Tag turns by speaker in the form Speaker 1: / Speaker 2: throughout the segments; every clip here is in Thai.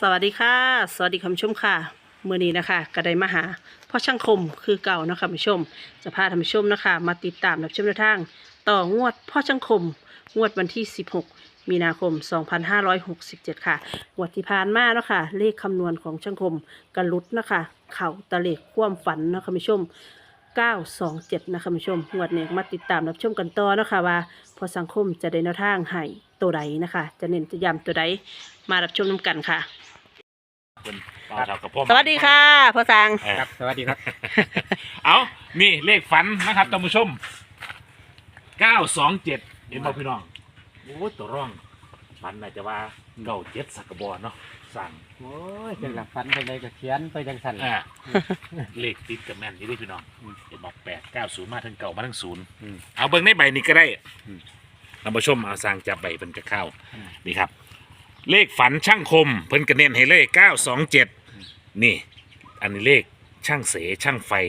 Speaker 1: สวัสดีค่ะสวัสดีคุณผู้ชมค่ะมื้อนี้นะคะก็ได้มาหาพ่อช่างคมคือเก่านะคะคุณผู้ชมจะพาท่านผู้ชมนะคะมาติดตามรับชมแนวทางต่องวดพ่อช่างคมงวดวันที่16มีนาคม2567ค่ะงวดที่ผ่านมาเนาะค่ะเลขคำนวณของช่างคมกระลุดนะคะเข่าตะเลขความฝันนะคะคุณผู้ชม927นะคะคุณผู้ชมงวดนี้มาติดตามรับชมกันต่อนะคะว่าพอสังคมจะได้แนวทางให้ตัวใดนะคะจะเน้นจะย้ำตัวใดมารับชมน้ำกันค่ะ
Speaker 2: เป็นเป่าเท่ากับพ่อ
Speaker 1: สวัสดีค่ะพ่อสัง
Speaker 2: ครับสวัสดีครับ เอานี่เลขฝันนะครับท่านผู้ชม927เห็นบ่พี่น้องโอ้ตัวร่องฝันน่าจะว่า97สักกระบอกเนาะสั่ง
Speaker 3: โอ้ยจังหลักฟันไปเลยก็เขียนไปจังสัน
Speaker 2: เลขติดกับแม่นนี่ด้วยพี่น้องเห็นบอก890มาทั้งเก่ามาทั้งศูนย์เอาเบิ่งในใบนี้ก็ได้ท่านผู้ชมเอาสร้างจับใบเป็นกระเข้านี่ครับเลขฝันช่างคมเพิ่นกระเน้นให้เลข927นี่อันนี้เลขช่างเสช่างไฟ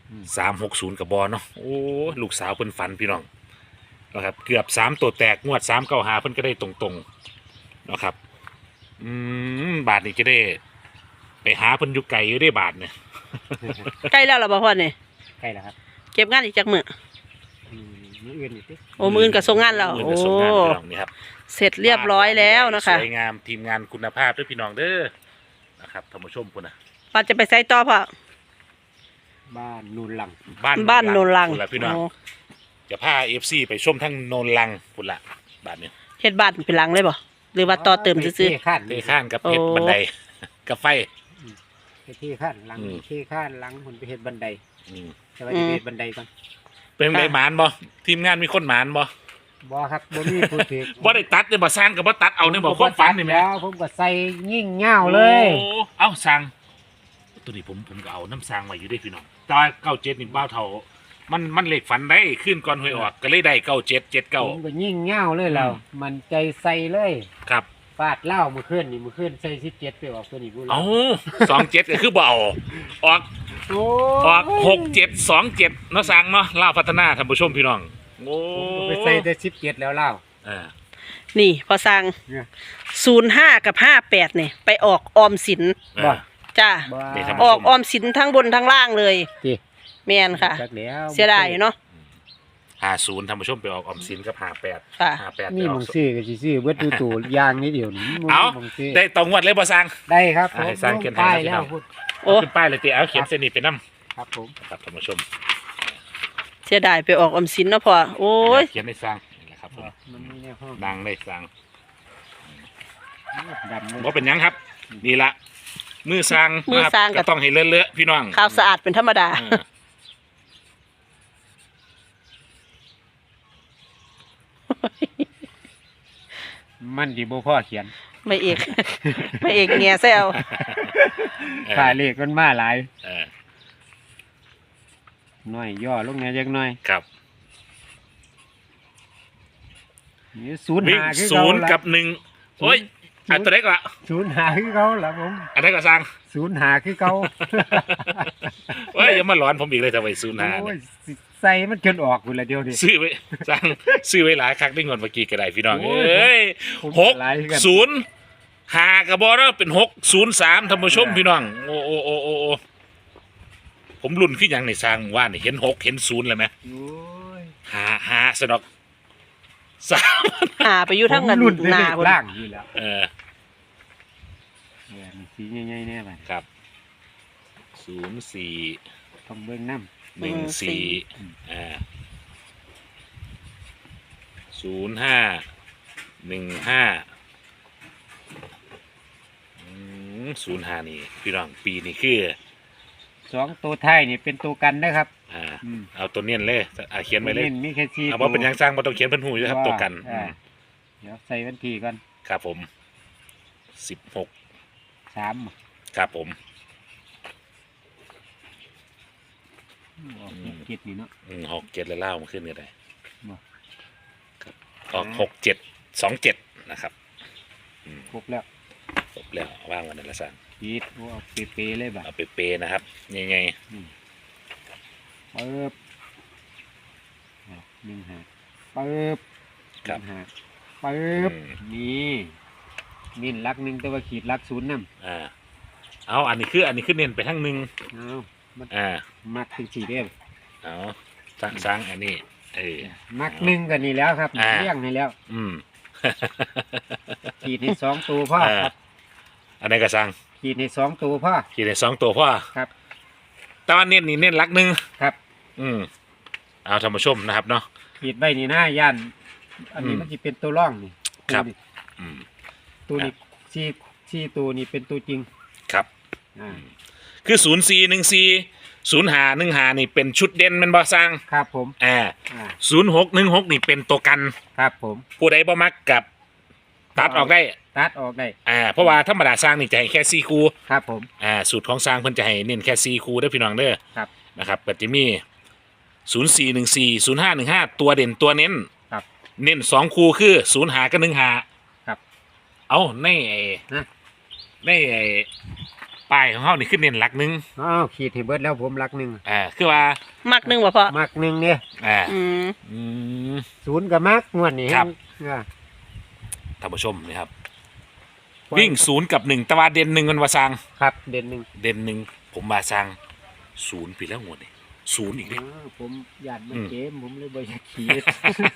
Speaker 2: 360กับบอเนาะโอ้ลูกสาวเพิ่นฝันพี่น้องนะครับเกือบ3ตัวแตกงวด395เพิ่นก็ได้ตรงๆนะครับบาทนี้จะได้ไปหาเพิ่นอยู่ไกลอยู่ได้บาทเนี่ย
Speaker 1: ใกล้แล้วเหรอพ่อเนี่ย
Speaker 3: ใกล้แล้วครับ
Speaker 1: เก็บงานอีกจักมื้อ
Speaker 3: มืออื่นอีกที
Speaker 1: โอ้มื้ออนกับส่งงานแล้ว
Speaker 2: มื้อ
Speaker 1: โอ้
Speaker 2: นี้ส่งงานพี่น้องนี่ครับ
Speaker 1: เสร็จเรียบร้อยแล้วนะคะ
Speaker 2: สวยงามทีมงานคุณภาพด้วยพี่น้องเด้อนะครับท่านผู้ชมพุ่นนะ
Speaker 1: ป้าจะไปใส่ต่อพ่อ
Speaker 3: บ้านนูนหลัง
Speaker 1: บ้านโนนลัง
Speaker 2: พุ่นละพี่น้อง
Speaker 1: โอ้
Speaker 2: จะพา FC ไปชมทั้งโนนลังพุ่นละบาทนี้
Speaker 1: เฮ็ดบ้านเป็นหลังเลยบ่หรือว่าต่อเติมซื่อ
Speaker 3: ที่ขั้น
Speaker 2: เทข้านกับเพชร
Speaker 1: โอ้
Speaker 2: บันไดกับไฟ
Speaker 3: ที่ขั้นหลัง
Speaker 2: อืม
Speaker 3: ที่ขั้นหลังคนไปเฮ็ดบันได
Speaker 2: อืม
Speaker 3: แต่ว่าจะไปเฮ็ดบันไดก่อน
Speaker 2: เป็นไงหมานบ่ทีมงานมีคนหมานบ่
Speaker 3: บ่ครับบ่มีผู้ถือ
Speaker 2: บ่ได้ตัดเนี่ยบ่สร้างกับบ่ตัดเอาเนี่ยบ่ความฝันนี่แหม
Speaker 3: แล้วผมก็ใส่ยิ่งเง่าเลย
Speaker 2: โอ้เอ้าสร้างตัวนี้ผมก็เอาน้ำสร้างมาอยู่ด้วยพี่น้องแต่ว่า97นี่บ้าวเท่ามันเลขฝันได้ขึ้นก่อนหวยออกก็เลยได้9779
Speaker 3: ผมก็ยิ่งเง่าเลยแล้วมันใจใส่เลย
Speaker 2: ครับ
Speaker 3: ฟาดเหล้ามือขึ้นนี่มือขึ้นใส่17ไปออกตัวนี้พูด
Speaker 2: เอา27ก็คือบ่เอาออก
Speaker 3: โอ้
Speaker 2: ออก6727เนาะสร้างเนาะลาวพัฒนาท่านผู้ชมพี่น้องโอ้
Speaker 3: ผมก็ไปใส่ได้17แล้วเหล้า
Speaker 1: ๆนี่พ่อสัง
Speaker 3: เนี่ย
Speaker 1: 05กับ58เนี่ยไปออกออมสิน
Speaker 3: บ่
Speaker 1: จ้า
Speaker 3: บ้า
Speaker 2: นี่ครับ
Speaker 1: ออกออมสินทั้งบนทั้งล่างเลย
Speaker 3: ติ
Speaker 1: แม่นค่ะ
Speaker 3: จักแล้ว
Speaker 1: เสียดายเนาะ
Speaker 2: 50ท่านผู้ชมไปออกออมสินกับ58
Speaker 1: ค่ะ
Speaker 2: 58
Speaker 3: นี่
Speaker 2: ไปอ
Speaker 3: มึ
Speaker 2: อก
Speaker 3: งซื้อก็สิซื้อเบิดตู้ยางนิดเดียวนี่มึง
Speaker 2: เอา
Speaker 3: มึงซื้อ
Speaker 2: ได้ตรงงวดเลยบ่สร้าง
Speaker 3: ได้ครับ
Speaker 2: ให้สร้างเขียนให้
Speaker 3: ป้าย
Speaker 2: นะพี่
Speaker 3: แล้
Speaker 2: น้
Speaker 3: ว
Speaker 2: อง
Speaker 3: พูด
Speaker 1: โอ้
Speaker 2: ขึ้นป้ายเลยติเอาเขียนเส้นนี้ไปนำ
Speaker 3: ครับผม
Speaker 2: ครับท่านผู้ชม
Speaker 1: เสียดายไปออกออมสินเนาะพ่อโอ้ย
Speaker 2: เขียนให้สร้างนี่แหละครับผม
Speaker 3: มันมีแนวห้อง
Speaker 2: ดังได้สร้าง
Speaker 3: ดำเลย
Speaker 2: บ่เป็นหยังครับนี่ละมือสร้าง
Speaker 1: มือสร้าง
Speaker 2: ก็ต้องให้เลอะๆพี่น้อง
Speaker 1: ขาวสะอาดเป็นธรรมดา
Speaker 2: เออ
Speaker 3: มันดีบ่พ่อเขียน
Speaker 1: ไม่เอก ไม่เอกเงียแซว
Speaker 3: ฝ่ายเลขมันมาหลาย
Speaker 2: เออ
Speaker 3: น้อยย่อลงแหน่จักหน่อย
Speaker 2: ครับ
Speaker 3: นี่ศูนย์
Speaker 2: วิ่ง
Speaker 3: หาคือ
Speaker 2: ศู
Speaker 3: เก่าน
Speaker 2: ย์
Speaker 3: ละ
Speaker 2: กับ1โอ้ยอันตัวเล็กละ
Speaker 3: ศูนย์หาคือเก่าละผม
Speaker 2: อันนี้ก็สร้าง
Speaker 3: ศูนย์หาคือเก่า
Speaker 2: เฮ้ยอย่ามาหลอนผมอีกเลยทำไมศูนย์หา
Speaker 3: โอ้
Speaker 2: เนี่ย
Speaker 3: ยสิใส่มันจนออกพุ่นละเดียวนี่
Speaker 2: ซื้อไว้สร้างซื้อไว้หลายครั้งได้เงินเมื่อกี้ก็ได้พี่น้อง
Speaker 3: โอ้
Speaker 2: เอ้ย
Speaker 3: ผม
Speaker 2: หก
Speaker 3: หลายกัน
Speaker 2: ศูนย์หากระบอกแล้วเป็น603ท่านผู้ชมพี่น้องโอ้โอ้โอ้โอ้โอ้ผมรุ่นขึ้นยังในสร้างว่านี่เห็น6เห็น0เลยไหม
Speaker 3: โอ้ย
Speaker 2: หาสนอกสาม
Speaker 1: หาไปอยู่ทั้งกัน
Speaker 3: ผมรุ่น
Speaker 1: หน้า
Speaker 3: เลข
Speaker 1: พุ่น
Speaker 3: ล่างอยู่แล้ว
Speaker 2: เออ
Speaker 3: เนี่ยมีสีใหญ่ๆแน่บัด
Speaker 2: ครับ04
Speaker 3: ต้องเบิ่งน้ำ
Speaker 2: 14051505นี่พี่น้องปีนี้คือ
Speaker 3: สองตัวท้ายนี่เป็นตัวกันนะครับ
Speaker 2: เอาตัวเนียนเลยเขียนไว้เลย
Speaker 3: มีแค่สี่
Speaker 2: เอาว่าเป็นหยังสร้างมาต้องเขียนเป็นหูอยู่ครับตัวกัน
Speaker 3: เดี๋ยวใส่วันที่ก่อน
Speaker 2: ครับผม16
Speaker 3: 3
Speaker 2: ครับผม
Speaker 3: ออก7นี่เนาะ
Speaker 2: 67แล้วเล่ามาขึ้นก็ได้
Speaker 3: บ่
Speaker 2: ครับออก6727นะครับ
Speaker 3: ครบแล้ว
Speaker 2: จบแล้วว่างวันนั้นละสร้าง
Speaker 3: ปิดเอาเปๆเลยบ่ะ
Speaker 2: เอาไปเปย์นะครับยังไง
Speaker 3: ปึ๊บ1 5ปึ๊บ
Speaker 2: ครับ
Speaker 3: 1 5ปึ๊บนี่มีนลักหนึ่งแต่ว่าขีดลักศูนย์นั่น
Speaker 2: เอาอันนี้คือเน้นไปทั้งหนึ่ง
Speaker 3: เอามัน
Speaker 2: อ่า
Speaker 3: มักถึงสี่เด้อ
Speaker 2: เอาสร้างอันนี้
Speaker 3: มักหนึ่งกันนี่แล้วครับ
Speaker 2: อ่า
Speaker 3: เลี้ยงนี่แล้ว
Speaker 2: อืม
Speaker 3: ขีดให้สองตัวพ่อครับ
Speaker 2: อันนี้ก็สร้าง
Speaker 3: ขีดให้สองตัวพ่อ
Speaker 2: ขี่ได้2 ตัวพ่อ
Speaker 3: ครับ
Speaker 2: แต่ว่าเน้นนี่เน้นหลักหนึ่ง
Speaker 3: ครับ
Speaker 2: เอาท่านผู้ชมนะครับเนาะ
Speaker 3: ขีดไว้นี่นะย่านอันนี้
Speaker 2: อืม
Speaker 3: มันจะเป็นตัวร่องนี่
Speaker 2: ครับ
Speaker 3: ตัวนี้
Speaker 2: อืม
Speaker 3: ตัวนี้สี่ตัวนี้เป็นตัวจริง
Speaker 2: ครับ
Speaker 3: อ่า
Speaker 2: คือ04140515นี่เป็นชุดเด่นแมันบ่สร้าง
Speaker 3: ครับผม
Speaker 2: อ่า
Speaker 3: อ่า
Speaker 2: 0616นี่เป็นตัวกัน
Speaker 3: ครับผม
Speaker 2: ผู้ใดบ่มักกับตัดออกได้
Speaker 3: ตัดออกได้
Speaker 2: เพราะว่าธรรมดาสร้างนี่จะให้แค่4คู่
Speaker 3: ครับผม
Speaker 2: สูตรของสร้างเพิ่นจะให้เน้นแค่4คู่เด้อพี่น้องเด้อ
Speaker 3: ครับ
Speaker 2: นะครับก็จะมี04140515ตัวเด่นตัวเน้น
Speaker 3: ครับ
Speaker 2: เน้น2คู่คือ05กับ15
Speaker 3: ครับ
Speaker 2: เอาใน
Speaker 3: นะ
Speaker 2: ในป้ายของเฮานี่คือเน้นหลักหนึง
Speaker 3: อ้าวขีดให้เบิดแล้วผมลักหนึ่ง
Speaker 2: คือว่า
Speaker 1: มักหนึ่งบ่พ่อ
Speaker 3: มักหนึ่งเนี่ย
Speaker 2: อ่า
Speaker 1: อืม
Speaker 2: อืม
Speaker 3: ศูนย์กับมักงวดนี้
Speaker 2: ครับ
Speaker 3: อ่า
Speaker 2: ท่านผู้ชมนี่ครับวิ่ง0กับ1แต่ว่าเด่น1มันว่าสร้าง
Speaker 3: ครับเด่นหนึ่ง
Speaker 2: เด่น1ผมว่าสร้าง0ปีแล้วงวดนี่0อีกเด้
Speaker 3: ผมหยาดมัน
Speaker 2: อืม
Speaker 3: เกมผมเลยบ่อยากขีด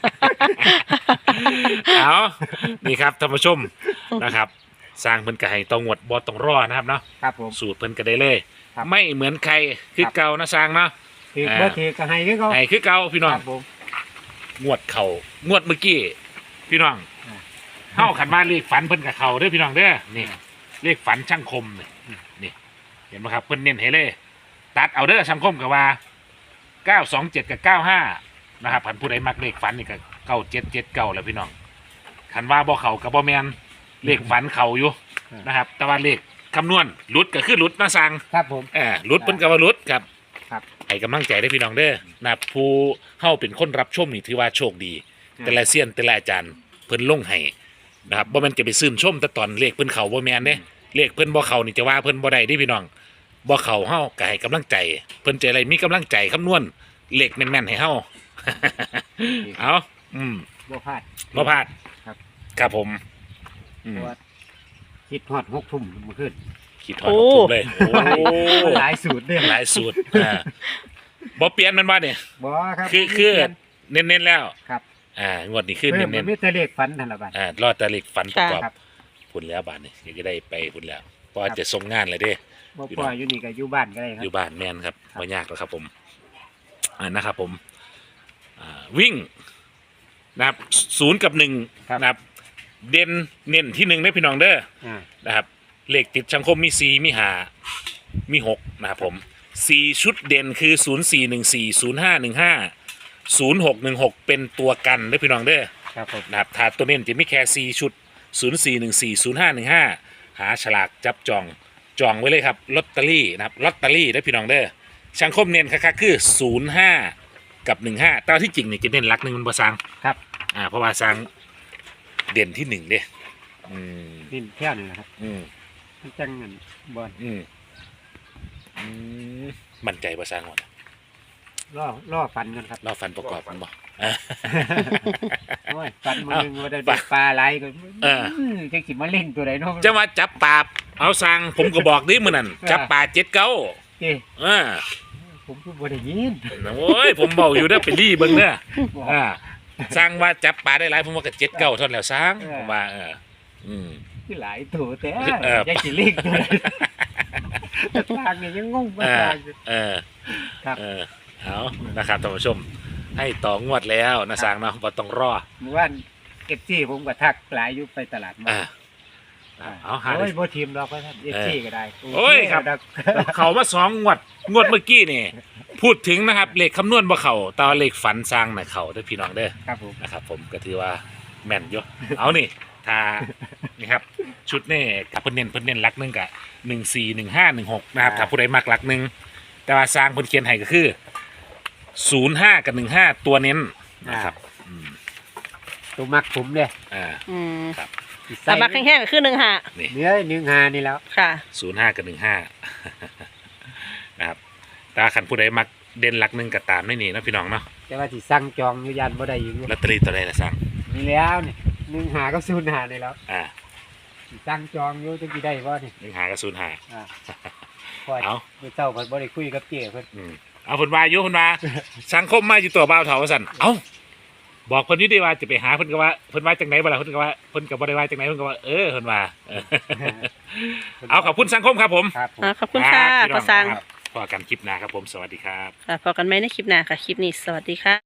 Speaker 2: เอานี่ครับท่านผู้ชมนะครับ สร้างเพิ่นก็ให้ต้องงวดบ่ต้องรอนะครับเนาะ
Speaker 3: ครับผม
Speaker 2: สูตรเพิ่นก็ได้เลย
Speaker 3: ครับ
Speaker 2: ไม่เหมือนใครคือเก่านะสร้างเนาะ
Speaker 3: ถือ
Speaker 2: อ่า
Speaker 3: บ่ถือก็ให้คือเขา
Speaker 2: ให้คือเก่าพี่น้อง
Speaker 3: ครับผม
Speaker 2: งวดเข่างวดเมื่อกี้พี่น้อง
Speaker 3: อ่า
Speaker 2: เฮาขันบ้านเลขฝันเพิ่นกับเข่าเด้อพี่น้องเด้อนี่เลขฝันช่างคมนี่เห็นไหมครับเพิ่นเน้นให้เลย ตัดเอาเด้อช่างคมกับว่า927กับ95นะครับผันผู้ใดมักเลขฝันนี่ก็9779แล้วพี่น้องขันว่าบ่เข่ากับบ่แมนเลขฝันเข่าอยู่นะครับ แต่ว่าเลขคำนวณหลุดก็คือหลุดนะสั่ง
Speaker 3: ครับผม
Speaker 2: หลุดเพิ่นก็ว่าหลุดครับ
Speaker 3: ครับ
Speaker 2: ให้กำลังใจได้อพี่น้องเด้อนะครับผู้เฮาเป็นคนรับชมนี่ถือว่าโชคดี แต่ละเซียนแต่ละอาจารย์เพิ่นลงให้นะครับบ่แม่นจะไปซื่นชมแต่ตอนเลขเพิ่นเข้าบ่แม่นเด้เลขเพิ่นบ่เข้านี่จะว่าเพิ่นบ่ได้เด้พี่น้องบ่เข้าเฮาก็ให้กำลังใจ เพิ่นจะอะไรมีกำลังใจคำนวณเลขแม่นๆให้เฮา เอา
Speaker 3: บ่พลาด
Speaker 2: บ่พลาด
Speaker 3: ครับ
Speaker 2: ครับผมอื
Speaker 3: เพ
Speaker 2: ม
Speaker 3: ราะว่าคิดฮอด6 ทุ่มเมื่อคืน
Speaker 2: คิดฮอดทุกเลยโอ้
Speaker 3: หลายสูตรเด้อ
Speaker 2: หลายสูตรบ่เปลี่ยนแมันบ่เนี่ย
Speaker 3: บ่ครับ
Speaker 2: คือเน้นๆแล้ว
Speaker 3: ครับ
Speaker 2: งวดนี้คือ
Speaker 3: เพิ่ม
Speaker 2: เน้น
Speaker 3: มีแต่เลขฝันนั่นล่ะบัด
Speaker 2: รอดแต่เลขฝันประกอบ
Speaker 3: ครับ
Speaker 2: พุ่นแล้วบาทนี่ก็ได้ไปพุ่นแล้วเพราะว่าจะส่งงานเลยเด้
Speaker 3: บ่ปล่อยอยู่นี่ก็อยู่บ้านก็ได้ครั
Speaker 2: อยู่
Speaker 3: บ
Speaker 2: บ้านแม่นครับ
Speaker 3: ครับ
Speaker 2: ไม่ยากหรอกครับผมนะครับผมวิ่งนะครับ0กับ1นะครับเด่นเน้นที่1ได้พี่น้องเด้อ
Speaker 3: อ่า
Speaker 2: นะครับเลขติดสังคมมี4มี5มี6นะครับผม4ชุดเด่นคือ0414 0515 0616เป็นตัวกันได้พี่น้องเด้อ
Speaker 3: ครับผม
Speaker 2: นะครับถ้าตัวเน้นจะมีแค่4ชุด0414 0515หาฉลากจับจองไว้เลยครับลอตเตอรี่นะครับลอตเตอรี่ได้พี่น้องเด้อช่างคมเน้นคักๆคือ05กับ15แต่ว่าที่จริงนี่จะเน้นหลักหนึ่งมันบ่ซัง
Speaker 3: ครับ
Speaker 2: เพราะว่าซังเด่นที่1เด้ม
Speaker 3: นี่แค่นี้นะครับ
Speaker 2: อืม
Speaker 3: มันจังนั่นบ่
Speaker 2: อืมมั่นใจบ่ซังหมด
Speaker 3: ล่อฟันกันครับ
Speaker 2: เราฟันประกอบมันบ่
Speaker 3: โอ้ยฟันมือหนึงว่าได้ปลาไหลก็จังสิมาเล่นตัวใดเนาะ
Speaker 2: จะมาจับปลาเอาซังผมก็บอกดิมื้อนั้นจับปลา7-9
Speaker 3: เอ้ย
Speaker 2: อ่า
Speaker 3: ผมก็บ่ได้ยิน
Speaker 2: โอ้ยผมเบาอยู่เด้อไปรีเบิ่งเด้อสร้างว่าจับปลาได้หลายผมว่าก็7-9เท่านั้นแล้วสร้างผมว่าอืม
Speaker 3: คือหลายตัวแต่
Speaker 2: เออ
Speaker 3: จังสิเล่นตัวใดทางนี่ยังงงบ่ทางอยู่ ครับ
Speaker 2: เอานะครับท่านผู้ชมให้ต่องวดแล้วนะสร้างเนาะบ่ต้องรอ
Speaker 3: เมื่อวานเอฟซีผมก็ทักหลายอยู่ไปตลาดมา
Speaker 2: เอาหา
Speaker 3: โอ้ยบ่ทีมดอกว่าท่านเอฟซีก็ได้
Speaker 2: โอ้ยครับ เขามา2งวดเมื่อกี้นี่พูดถึงนะครับเลขคำนวณบ่เข้าแต่ว่าเลขฝันสร้างน่ะเข้าเด้อพี่น้องเด้อ
Speaker 3: ครับผม
Speaker 2: นะครับผมก็ถือว่าแม่นอยู่ เอานี่ถ้านี่ครับชุดนี่กับเพิ่นเน้นหลักหนึงกับ141516นะครับถ้าผู้ใดมักหลักหนึงแต่ว่าสร้างเพิ่นเขียนให้ก็คือ05กับ15ตัวเน้นนะครับ
Speaker 3: ตัวมักผมเด้
Speaker 1: อืม
Speaker 2: ครับ
Speaker 1: แต่มักแห้งๆก็คือ1 หา
Speaker 2: นี่
Speaker 3: เนื้อ1-5นี่แล้ว
Speaker 1: ค่ะ
Speaker 2: 05กับ15 นะครับแต่ว่าคันผู้ใดมักเด่นหลักหนึงก็ตามไม่นี่เนาะพี่น้องเนาะ
Speaker 3: แต่ว่าสิสั่งจองอยู่ยันบ่ได้อยู่
Speaker 2: ลอตเตอรี่ตัวใดล่ะสร้าง
Speaker 3: นี่แล้วนี่1-5กับ0-5นี่แล้ว
Speaker 2: อ่า
Speaker 3: ตั้งจองอยู่จังสิได้บ่นี่
Speaker 2: ยังหากระสุนหา
Speaker 3: อ่าพอ
Speaker 2: เอา
Speaker 3: มื้อเช้าเพิ่นบ่ได้คุยกับเจ้เพิ่น
Speaker 2: เอาเพิ่นว่าอยู่เพิ่นว่าสังคมมาอยู่ตัวบ่าวเฒ่าว่าซั่นเอ้าบอกเพิ่นอยู่ดีว่าจะไปหาเพิ่นก็ว่าเพิ่นว่าจังไหนบ่ล่ะเพิ่นก็ว่าเพิ่นก็บ่ได้ว่าจังไหนเพิ่นก็ว่าเพิ่นว่าเอาขอบคุณสังคมครับผม
Speaker 3: ครับผม
Speaker 1: ขอบคุณค่ะ
Speaker 2: รับพี่น้
Speaker 1: พอสัง
Speaker 2: ครับพอกันคลิปหน้าครับผมสวัสดีครับ
Speaker 1: ค่ะพอกันไหมในคลิปหน้าค่ะ คลิปนี้สวัสดีค่ะ